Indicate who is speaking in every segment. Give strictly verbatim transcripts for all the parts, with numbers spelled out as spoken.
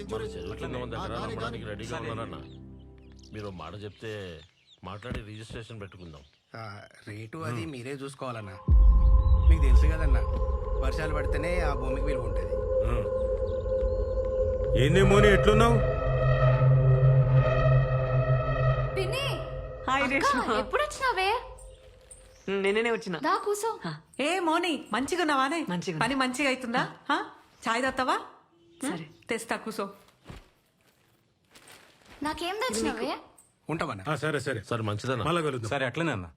Speaker 1: మన చెరువు దగ్గర నమ్మడానికి రెడీగా ఉన్నానన్న. మీరు మాట చెప్తే మాట్లాడి రిజిస్ట్రేషన్ పెట్టుకుందాం.
Speaker 2: ఆ, రేటు అది మీరే చూసుకోవాలన్నా. మీకు తెలుసు కదన్నా, వర్షాలు పడితేనే ఆ భూమికి విలువ ఉంటుంది.
Speaker 3: ఏంది మోని ఎట్లున్నావు?
Speaker 4: ఎప్పుడు వచ్చినావే?
Speaker 5: నేనే వచ్చిన.
Speaker 4: దా కూసో.
Speaker 6: ఏ మోని మంచిగా ఉన్నావానే?
Speaker 5: మంచిగా.
Speaker 6: పని మంచిగా అవుతుందా? హా? చాయ్ తాగుతావా?
Speaker 5: సరే
Speaker 6: తెస్తా కూసో.
Speaker 4: నాకేం తెచ్చినావే?
Speaker 2: ఉంటామన్నా.
Speaker 3: ఆ, సరే సరే
Speaker 1: సరే మంచిదన్న.
Speaker 3: మళ్ళా కలుద్దాం.
Speaker 7: సరే అట్లనే అన్న.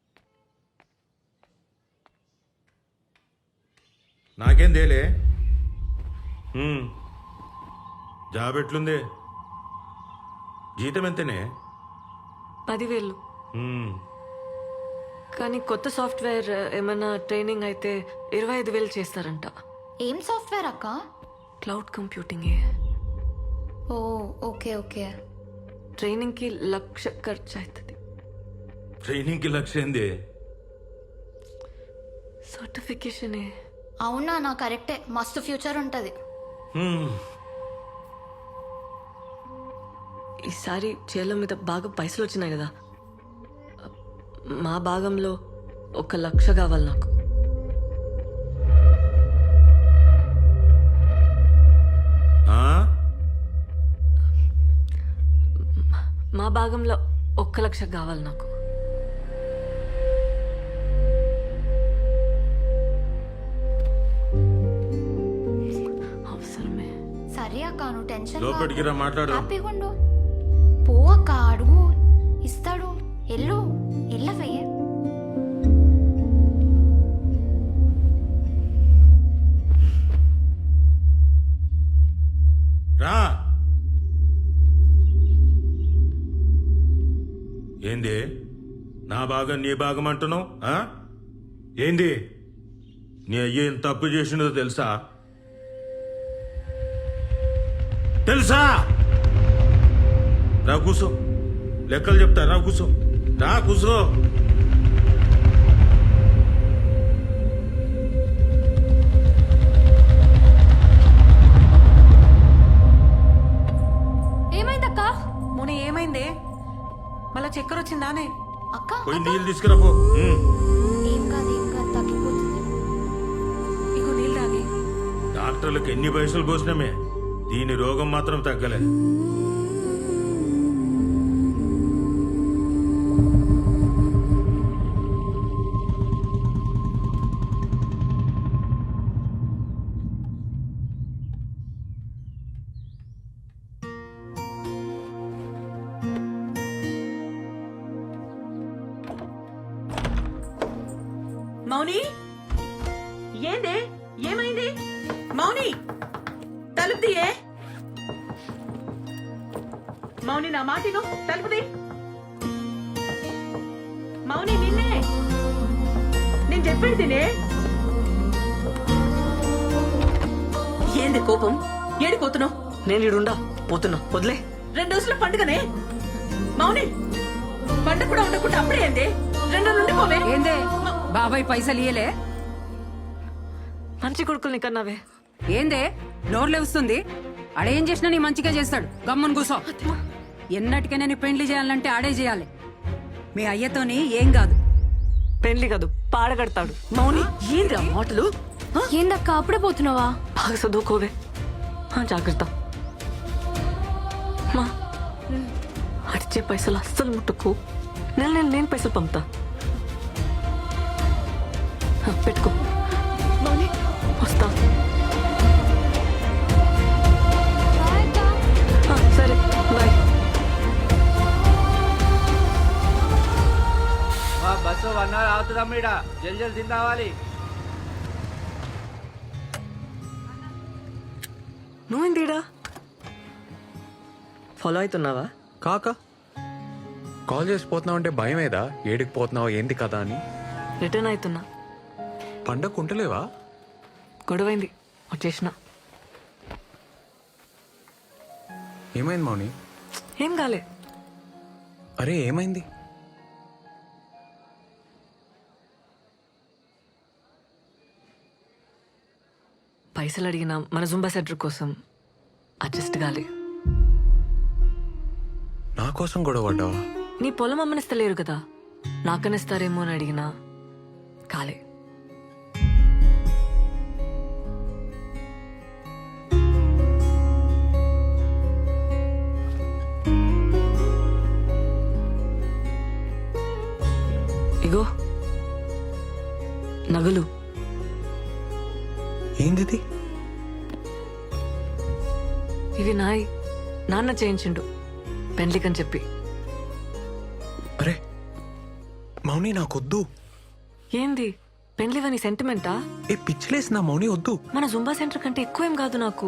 Speaker 3: నాకేం దేలే. ఉమ్. జాబ్ ఎట్లుంది? జీతం ఎంతనే?
Speaker 5: పదివేలు.
Speaker 3: ఉమ్.
Speaker 5: కానీ కొత్త సాఫ్ట్వేర్ ఏమైనా ట్రైనింగ్ అయితే ఇరవై ఐదు వేలు చేస్తారంట.
Speaker 4: ఏం సాఫ్ట్వేర్ అక్క?
Speaker 5: Cloud computing.
Speaker 4: ఓ ఓకే ఓకే.
Speaker 5: ట్రైనింగ్ కి లక్ష ఖర్చు అవుతుంది.
Speaker 3: ట్రైనింగ్ కి లక్ష్యం ఏంది?
Speaker 5: సర్టిఫికేషన్.
Speaker 4: అవునా? నా కరెక్టే, మస్తు ఫ్యూచర్ ఉంటది.
Speaker 3: ఉమ్.
Speaker 5: ఈసారి చేల మీద బాగా పైసలు వచ్చినాయి కదా, మా భాగంలో ఒక లక్ష కావాలి నాకు.
Speaker 3: ఆ?
Speaker 5: మా భాగంలో ఒక్క లక్ష కావాలి నాకు. అవసరమే.
Speaker 4: సరే అక్క, నువ్వు టెన్షన్
Speaker 3: లోపలికి రా, మాట్లాడు.
Speaker 4: హ్యాపీగా ఉండు. పో అక్క, అడుగు, ఇస్తాడు. ఎల్లు ఎల్లవే.
Speaker 3: రా. ఏంది నా భాగం నీ భాగం అంటున్నావు? ఆ? ఏంది నీ అయ్య ఏం తప్పు చేసినదో తెలుసా? తెలుసా? రా కూసో, లెక్కలు చెప్తా. రా కూసో, రా కూసో.
Speaker 4: ఏమైందక్క?
Speaker 6: మోని ఏమైందే? మళ్ళా చక్కెర వచ్చిందానే?
Speaker 4: అక్క
Speaker 3: పోయి నీళ్ళు తీసుకురా పో. ఉమ్.
Speaker 4: ఏం కాదు ఏం కాదు, తగ్గిపోతుంది.
Speaker 6: ఇగో నీళ్ళు తాగి.
Speaker 3: డాక్టర్లకు ఎన్ని పైసలు పోసినామే, దీని రోగం మాత్రం తగ్గలే.
Speaker 6: మౌని ఏందే? ఏమైంది మౌని? తలుపు తీయే. మౌని నా మాటిను, తలుపు తీ. మౌని నిన్నే నేను చెప్పేది తినే. ఏంది కోపం? ఏడిపోతున్నావు?
Speaker 5: నేను ఇడుండా పోతున్నా, వదిలే.
Speaker 6: రెండు రోజుల పండుగనే మౌని. పండుగ కూడా ఉండకుండా అప్పుడే ఏంది? రెండు నుండి పోవే.
Speaker 8: ఏందే బాబాయ్ పైసలు ఇయ్యలే?
Speaker 5: మంచి కొడుకుల్ని కన్నావే.
Speaker 8: ఏందే నోర్లే వస్తుంది? ఆడేం చేసినా నీ మంచిగా చేస్తాడు. గమ్మున కూసో. ఎన్నటికైనా నీ పెండ్లి చేయాలంటే ఆడే చేయాలి. మీ అయ్యతోని ఏం కాదు.
Speaker 5: పెళ్లి కాదు, పాడగడతాడు. మౌని ఏంద్రా మాటలు?
Speaker 4: ఏందక్క అప్పుడే పోతున్నావా?
Speaker 5: బాగా చదువుకోవే. జాగ్రత్త. మా అడిచే పైసలు అస్సలు ముట్టుకు. నెల నెల నేను పైసలు పంపుతా. పెట్టుకో. మౌని వస్తా. సరే బాయ్.
Speaker 9: బస్సు వన్ అవర్ అవుతుందమ్మా. జల్ జల్ తిని రావాలి.
Speaker 5: నువ్వేందిడా ఫాలో అవుతున్నావా?
Speaker 7: కాక కాల్ చేసి పోతున్నావు అంటే భయం ఏదా? ఏడికి పోతున్నావు ఏంది కదా అని.
Speaker 5: రిటర్న్ అవుతున్నా.
Speaker 7: పండగ ఉంటలేవా?
Speaker 5: గొడవైంది, వచ్చేసిన.
Speaker 7: ఏమైంది మౌని?
Speaker 5: ఏం కాలే.
Speaker 7: అరే ఏమైంది?
Speaker 5: పైసలు అడిగినా మన జుంబా సెంటర్ కోసం. అడ్జస్ట్ కాలే.
Speaker 7: నా కోసం గొడవ పడ్డావా?
Speaker 5: నీ పొలం అమ్మనిస్తలేరు కదా, నాకనిస్తారేమో అని అడిగినా కాలే. ఇగో నగలు.
Speaker 7: ఏంది?
Speaker 5: ఇవి నాయి, నాన్న చేయించిండు పెండ్లికని చెప్పి.
Speaker 7: అరే మౌని నాకొద్దు.
Speaker 5: ఏంది పెండ్లివని సెంటిమెంటా?
Speaker 7: ఏ పిచ్చిలేసి నా మౌని వద్దు.
Speaker 5: మన జుంబా సెంటర్ కంటే ఎక్కువేం కాదు నాకు.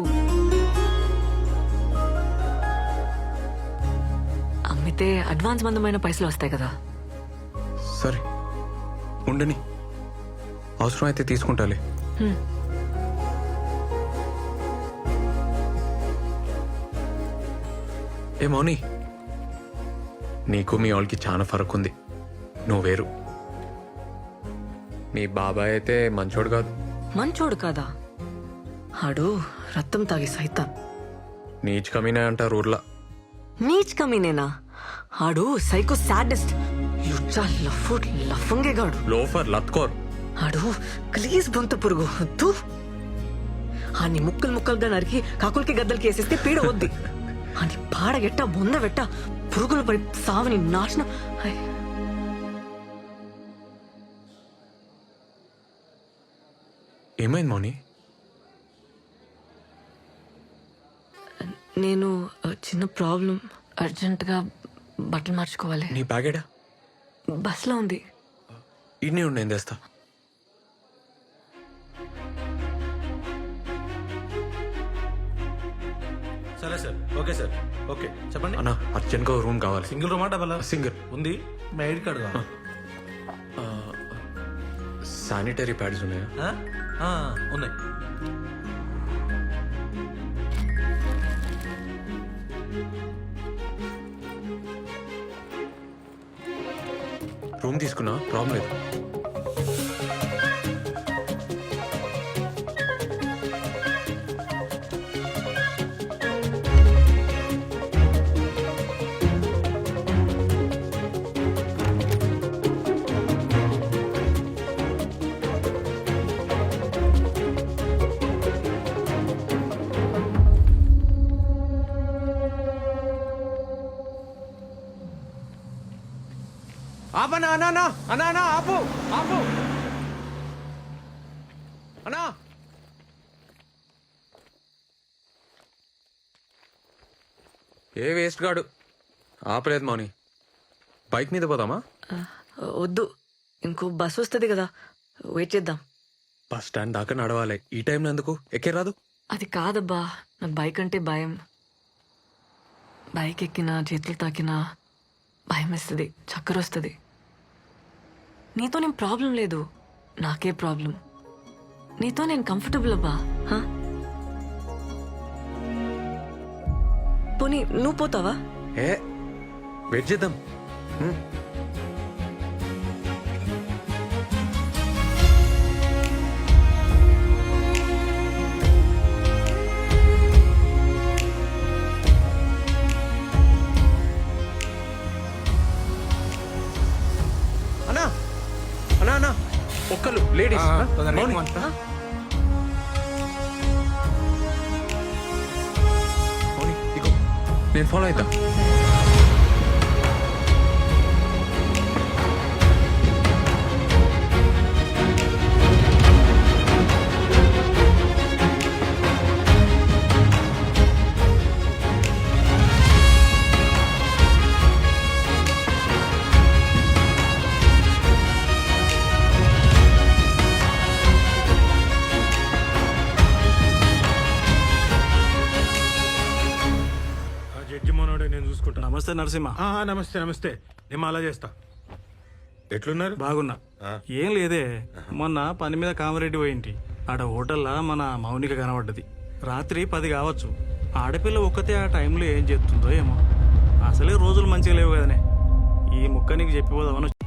Speaker 5: అమ్మితే అడ్వాన్స్ మందమైన పైసలు వస్తాయి కదా.
Speaker 7: సరే ఉండని, అవసరం అయితే తీసుకుంటాలే.
Speaker 5: హ్మ్.
Speaker 7: ఏ మౌని, నీకు మీ వాళ్ళకి చాలా ఫరక్ ఉంది. నువ్వు వేరు. మీ బాబాయ్ అయితే మంచోడు కాదు.
Speaker 5: మంచోడు కాదా? ఆడు రక్తం తాగి సైతాన్.
Speaker 7: నీచ్ కమీనే అంటారు ఊర్లా.
Speaker 5: నీచ్ కమీనేనా? ఆడు సైకో సాడెస్ట్, యుచ్చా లఫు లఫంగేగాడు.
Speaker 7: లోఫర్ లత్కోర్.
Speaker 5: ఆడు ప్లీజ్ బొంత పురుగు తూ. ఆని ముక్కలు ముక్కలుగా నరికి కాకులకి గద్దలకి వేసేస్తే పీడ వద్ది. అని పాడగెట్ట బొంద పెట్ట పురుగులు పడి సావని నాశనం. ఐ.
Speaker 7: ఏమైంది మౌని?
Speaker 5: నేను ఆ, చిన్న ప్రాబ్లం. అర్జెంటుగా బట్టలు మార్చుకోవాలి.
Speaker 7: నీ బ్యాగేడా?
Speaker 5: బస్లో ఉంది.
Speaker 7: ఇన్ని ఉండి ఏం తెస్తా.
Speaker 3: సరే సార్, ఓకే సార్, ఓకే చెప్పండి.
Speaker 7: అన్నా అర్జెంట్గా రూమ్ కావాలి.
Speaker 3: సింగిల్ రూమా డబల్?
Speaker 7: సింగిల్.
Speaker 3: ఉంది. మీ ఐడి కార్డు కావాలి.
Speaker 7: శానిటరీ ప్యాడ్స్ ఉన్నాయా?
Speaker 3: ఆ, ఆ, ఉన్నాయి.
Speaker 7: రూమ్ తీసుకున్నా, ప్రాబ్లం లేదు.
Speaker 2: ఆపనా అన్నా అన్నా అన్నా అన్నా ఆపు ఆపు అన్నా.
Speaker 7: ఏ వేస్ట్ గాడు ఆపలేదు మౌని. బైక్ మీద పోదామా?
Speaker 5: ఆ, వద్దు, ఇంకో బస్ వస్తుంది కదా, వెయిట్ చేద్దాం.
Speaker 7: బస్ స్టాండ్ దాకా నడవాలి. ఈ టైంలో ఎందుకు? ఎక్కే రాదు?
Speaker 5: అది కాదబ్బా, నాకు బైక్ అంటే భయం. బైక్ ఎక్కినా చేతులు తాకినా భయం వేస్తుంది, చక్కర వస్తుంది. నీతో నేను ప్రాబ్లం లేదు, నాకే ప్రాబ్లం. నీతో నేను కంఫర్టబుల్ అబ్బా. హా? పోనీ నువ్వు పోతావా?
Speaker 7: ఏ వెయిట్ చేద్దాం. హ్మ్.
Speaker 2: అన్నా అన్నా అన్నా
Speaker 7: ఒక్కలు లేడీస్. మౌని. మౌని, ఇగో నేను ఫాలో అవుతా.
Speaker 3: జడ్జి మనోడే, నేను చూసుకుంటా.
Speaker 10: నమస్తే నరసింహ.
Speaker 3: ఆ, నమస్తే నమస్తే. నేను అలా చేస్తా. ఎట్లున్నారు?
Speaker 10: బాగున్నా.
Speaker 3: ఆ.
Speaker 10: ఏం లేదే, మొన్న పని మీద కామరెడ్డి పోయింటి. ఆడ హోటల్లా మన మౌనిక కనబడ్డది. రాత్రి పది కావచ్చు. ఆడపిల్ల ఒక్కతే ఆ టైంలో ఏం చేస్తుందో ఏమో. అసలే రోజులు మంచిగా లేవు కదనే. ఈ ముక్క నీకు చెప్పిపోదామని